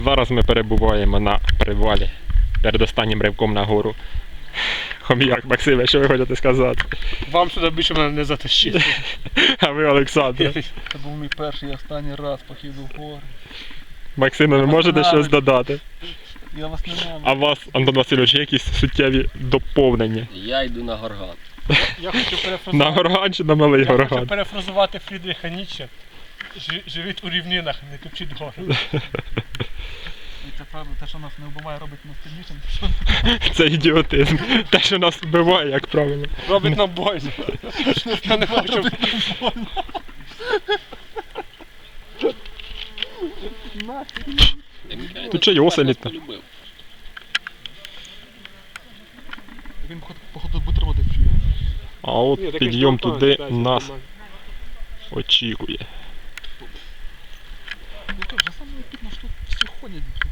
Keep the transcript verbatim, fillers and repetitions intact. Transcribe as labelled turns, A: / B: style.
A: Зараз ми перебуваємо на привалі перед останнім ривком на гору. Хом'як, Максиме, що ви хочете сказати?
B: Вам сюди більше мене не затащити.
A: А ви, Олександр?
B: Це був мій перший і останній раз похід у гори.
A: Максиме, ви можете щось додати?
B: Я вас не маю.
A: А вас, Антон Васильович, якісь суттєві доповнення?
C: Я йду на горган.
B: Я хочу перефразувати,
A: На горган чи на малий
B: я хочу
A: горган?
B: перефразувати Фрідріха Ніцше. Жи- Живіть у рівнинах, не топчіть гори. І це правда, те, що нас не вбиває, робить нас сильнішим.
A: Це ідіотизм. Те, що нас вбиває, як правило.
B: Робить нам бойно. Я не хочу.
A: Тут що й оселіт?
C: Полюбив.
B: Він походу- походу бутерброди вчує.
A: А от підйом туди нас очікує.
B: Ну то вже саме тут на що всі ходять.